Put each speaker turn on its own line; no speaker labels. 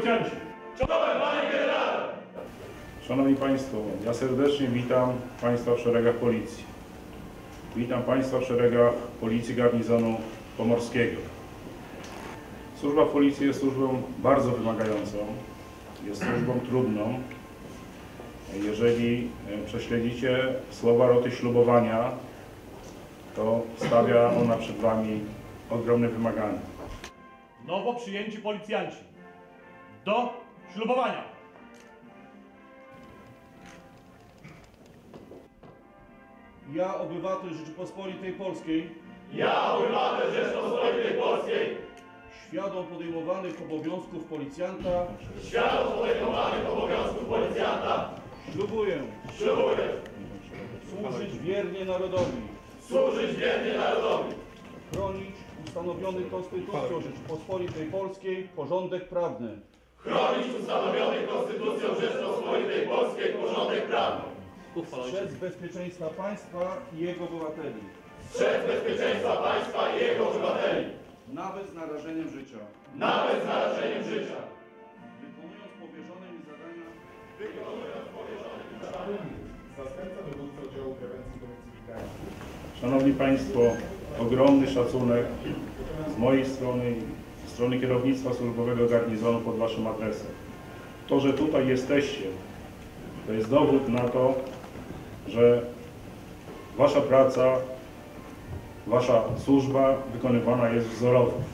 policjanci! Czołem, panie generale! Szanowni Państwo, ja serdecznie witam Państwa w szeregach Policji. Witam Państwa w szeregach Policji Garnizonu Pomorskiego. Służba w Policji jest służbą bardzo wymagającą, jest służbą trudną. Jeżeli prześledzicie słowa roty ślubowania, to stawia ona przed Wami ogromne wymagania.
Nowo przyjęci policjanci do ślubowania.
Ja, obywatel Rzeczypospolitej Polskiej,
Ja, obywatel Rzeczypospolitej Polskiej,
świadom podejmowanych obowiązków policjanta,
świadom podejmowanych obowiązków policjanta,
ślubuję
ślubuję
służyć wiernie narodowi,
służyć wiernie narodowi,
chronić ustanowiony Konstytucją Rzeczypospolitej Polskiej porządek prawny,
chronić ustanowiony Konstytucją Rzeczypospolitej Polskiej porządek prawny,
strzec bezpieczeństwa państwa i jego obywateli,
strzec bezpieczeństwa państwa i jego obywateli,
nawet z narażeniem życia,
nawet z narażeniem życia.
wykonując powierzone mi zadania,
Zastępca dowódcy oddziału prewencji domystyfikacji.
Szanowni Państwo, ogromny szacunek z mojej strony i strony kierownictwa służbowego garnizonu pod Waszym adresem. To, że tutaj jesteście, to jest dowód na to, że Wasza praca, Wasza służba wykonywana jest wzorowo.